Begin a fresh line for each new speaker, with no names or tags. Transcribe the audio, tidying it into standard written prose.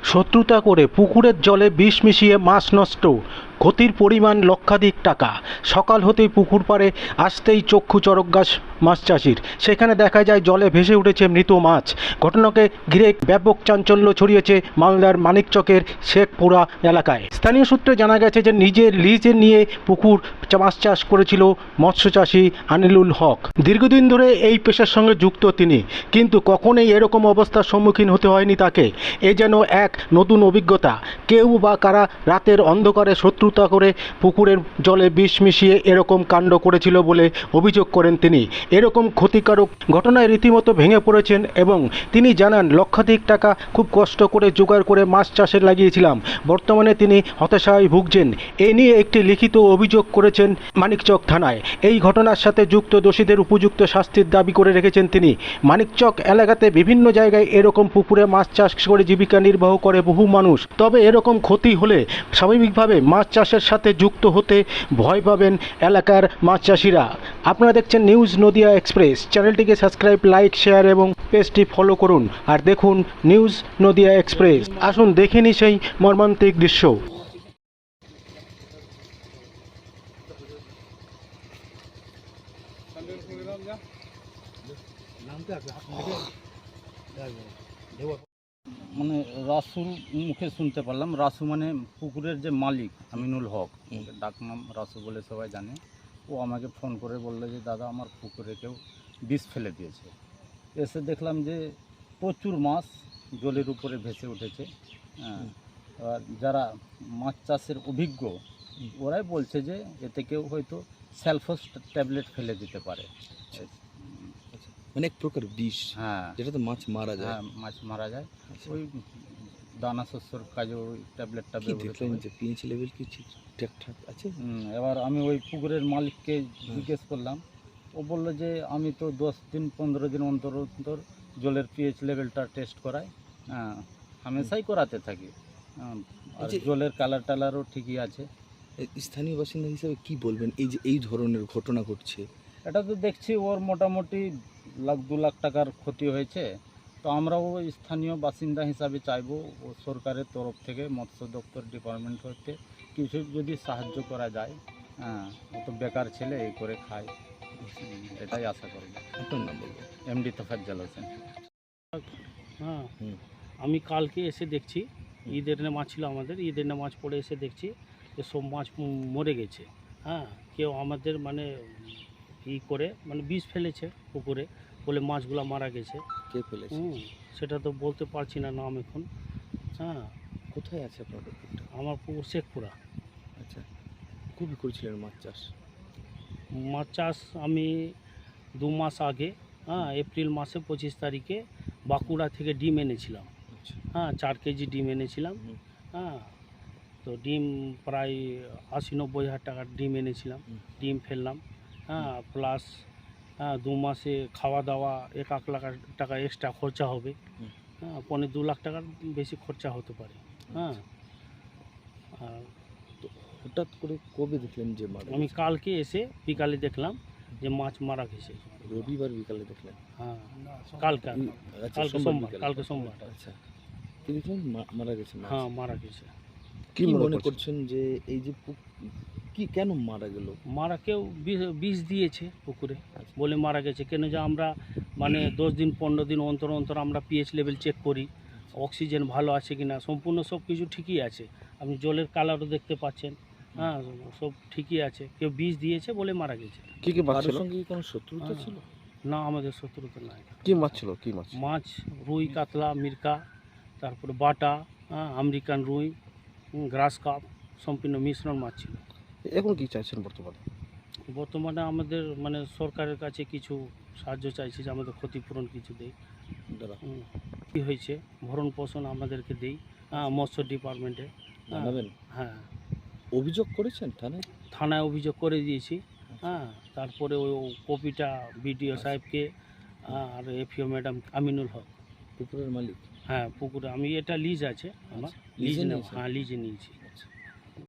শত্রুতা করে পুকুরের জলে বিষ মিশিয়ে মাছ নষ্ট, ক্ষতির পরিমাণ লক্ষাধিক টাকা। সকাল হতেই পুকুর পাড়ে আসতেই চক্ষু চড়ক গাছ মাছ চাষির। সেখানে দেখা যায় জলে ভেসে উঠেছে মৃত মাছ। ঘটনাকে ঘিরে ব্যাপক চাঞ্চল্য ছড়িয়েছে মালদার মানিকচকের শেখপুরা এলাকায়। স্থানীয় সূত্রে জানা গেছে যে নিজের লিজে নিয়ে পুকুর মাছ চাষ করেছিল মৎস্যচাষী আনিলুল হক। দীর্ঘদিন ধরে এই পেশার সঙ্গে যুক্ত তিনি, কিন্তু কখনোই এরকম অবস্থার সম্মুখীন হতে হয়নি তাকে। এ যেন এক নতুন অভিজ্ঞতা। কেউ বা কারা রাতের অন্ধকারে শত্রুতা করে পুকুরের জলে বিষ মিশিয়ে এরকম কাণ্ড করেছিল বলে অভিযোগ করেন তিনি। এরকম ক্ষতিকারক ঘটনায় রীতিমতো ভেঙে পড়েছেন এবং তিনি জানান, লক্ষাধিক টাকা খুব কষ্ট করে জোগাড় করে মাছ চাষে লাগিয়েছিলাম। বর্তমানে তিনি হতাশায় ভুগছেন। এ নিয়ে একটি লিখিত অভিযোগ করেছেন মানিকচক থানায়। এই ঘটনার সাথে যুক্ত দোষীদের উপযুক্ত শাস্তির দাবি করে রেখেছেন তিনি। মানিকচক এলাকাতে বিভিন্ন জায়গায় এরকম পুকুরে মাছ চাষ করে জীবিকা নির্বাহ করে বহু মানুষ। তবে এরকম ক্ষতি হলে স্বাভাবিকভাবে মাছ চাষের সাথে যুক্ত হতে ভয় পাবেন এলাকার মাছ চাষিরা। আপনারা দেখছেন নিউজ নদিয়া এক্সপ্রেস। চ্যানেলটিকে সাবস্ক্রাইব, লাইক, শেয়ার এবং পেজটি ফলো করুন আর দেখুন নিউজ নদিয়া এক্সপ্রেস। আসুন দেখে নিই সেই মর্মান্তিক দৃশ্য।
মানে রাসুল মুখে শুনতে পারলাম। রাসু মানে পুকুরের যে মালিক আমিনুল হক, ডাক নাম রাসু বলে সবাই জানে। ও আমাকে ফোন করে বললো যে দাদা আমার পুকুরে কেউ বিষ ফেলে দিয়েছে। এসে দেখলাম যে প্রচুর মাছ জলের উপরে ভেসে উঠেছে। হ্যাঁ, আর যারা মাছ চাষের অভিজ্ঞ ওরাই বলছে যে এতে কেউ হয়তো স্যালফোস ট্যাবলেট ফেলে দিতে পারে।
মানে এক প্রকার বিষ,
হ্যাঁ,
যেটাতে মাছ মারা যায়।
হ্যাঁ, মাছ মারা যায়। ওই দানা শস্যর কাজে ওই ট্যাবলেটটা
কি
ব্যবহৃত
দেখলেন
হয়।
যে পিএইচ লেভেল কি ঠিকঠাক আছে?
এবার আমি ওই পুকুরের মালিককে জিজ্ঞেস করলাম। ও বললো যে আমি তো 10 দিন 15 দিন অন্তর অন্তর জলের পিএইচ লেভেলটা টেস্ট করাই। হ্যাঁ, হামেশাই করাতে থাকি। আর জলের কালার টালারও ঠিকই আছে।
স্থানীয় বাসিন্দা হিসেবে কি বলবেন এই যে এই ধরনের ঘটনা ঘটছে?
এটা তো দেখছি ওর মোটামুটি 1-2 লাখ টাকার ক্ষতি হয়েছে। তো আমরাও স্থানীয় বাসিন্দা হিসাবে চাইবো ও সরকারের তরফ থেকে মৎস্য দপ্তর ডিপার্টমেন্ট হতে কিছু যদি সাহায্য করা যায়। হ্যাঁ, ও তো বেকার ছেলে, এই করে খায়। এটাই আশা করব।
আপনার নাম বলবেন?
এমডি তোফাজ্জল হোসেন।
হ্যাঁ,
হুম।
আমি কালকে এসে দেখছি, ঈদের মাছ ছিল আমাদের, ঈদের মাছ পড়ে এসে দেখছি যে সব মাছ মরে গেছে। হ্যাঁ, কেউ আমাদের মানে করে মানে বিষ ফেলেছে পুকুরে বলে মাছগুলো মারা গেছে।
কে ফেলেছে?
সেটা তো বলতে পারছি না নাম এখন। হ্যাঁ,
কোথায় আছে আপনার পুকুরটা?
আমার পুকুর শেখপুরা।
আচ্ছা, খুবই করেছিলেন মাছ চাষ?
মাছ চাষ আমি 2 মাস আগে, হ্যাঁ, এপ্রিল মাসে 25 তারিখে বাঁকুড়া থেকে ডিম এনেছিলাম।
আচ্ছা।
হ্যাঁ, 4 কেজি ডিম এনেছিলাম। হ্যাঁ, তো ডিম প্রায় 80-90 হাজার টাকার ডিম এনেছিলাম। ডিম ফেললাম। হ্যাঁ, প্লাস 2 মাসে খাওয়া দাওয়া 1 লাখ টাকা এক্সট্রা খরচা হবে। হ্যাঁ, 2.5 লাখ টাকার বেশি খরচা হতে পারে। হ্যাঁ, আর
তো হঠাৎ করে কবে দেখলেন যে মারা
আমি
গেছে?
কালকে এসে বিকালে দেখলাম যে মাছ মারা গেছে।
রবিবার বিকালে দেখলেন?
হ্যাঁ, কালকে
আচ্ছা,
কালকে
সোমবার
সোমবার,
বিকালে।
কালকে সোমবার।
আচ্ছা, কি দেখলেন মারা গেছে মাছ?
হ্যাঁ, মারা গেছে।
কি মনে করছেন যে এই যে কি কেন মারা গেল?
মারা কেউ বিষ দিয়েছে পুকুরে বলে মারা গেছে। কেন যে আমরা মানে 10 দিন 15 দিন অন্তর অন্তর আমরা পিএইচ লেভেল চেক করি, অক্সিজেন ভালো আছে কিনা, সম্পূর্ণ সব কিছু ঠিকই আছে। আপনি জলের কালারও দেখতে পাচ্ছেন। হ্যাঁ, সব ঠিকই আছে। কেউ বিষ দিয়েছে বলে মারা গেছে।
কি মাছ ছিল? সঙ্গে কোনো শত্রুতা ছিল?
না, আমাদের শত্রুতা নাই।
কি মাছ ছিল? কি মাছ?
মাছ রুই, কাতলা, মিরকা, তারপরে বাটা, আমেরিকান রুই, গ্রাস কাপ, সম্পূর্ণ মিশ্রণ মাছ ছিল।
এখন কি চাইছেন বর্তমানে?
বর্তমানে আমাদের মানে সরকারের কাছে কিছু সাহায্য চাইছি যে আমাদের ক্ষতিপূরণ কিছু দেয়। কী হয়েছে ভরণ পোষণ আমাদেরকে দেই। মৎস্য ডিপার্টমেন্টে
জানাবেন?
হ্যাঁ,
অভিযোগ করেছেন থানায়?
থানায় অভিযোগ করে দিয়েছি। হ্যাঁ, তারপরে ওই কপিটা বিডিও সাহেবকে আর এফিও ম্যাডাম আমিনুল হক।
পুকুরের মালিক?
হ্যাঁ, পুকুরে আমি এটা লিজ আছে আমার, লিজ নেব। হ্যাঁ, লিজে নিয়েছি।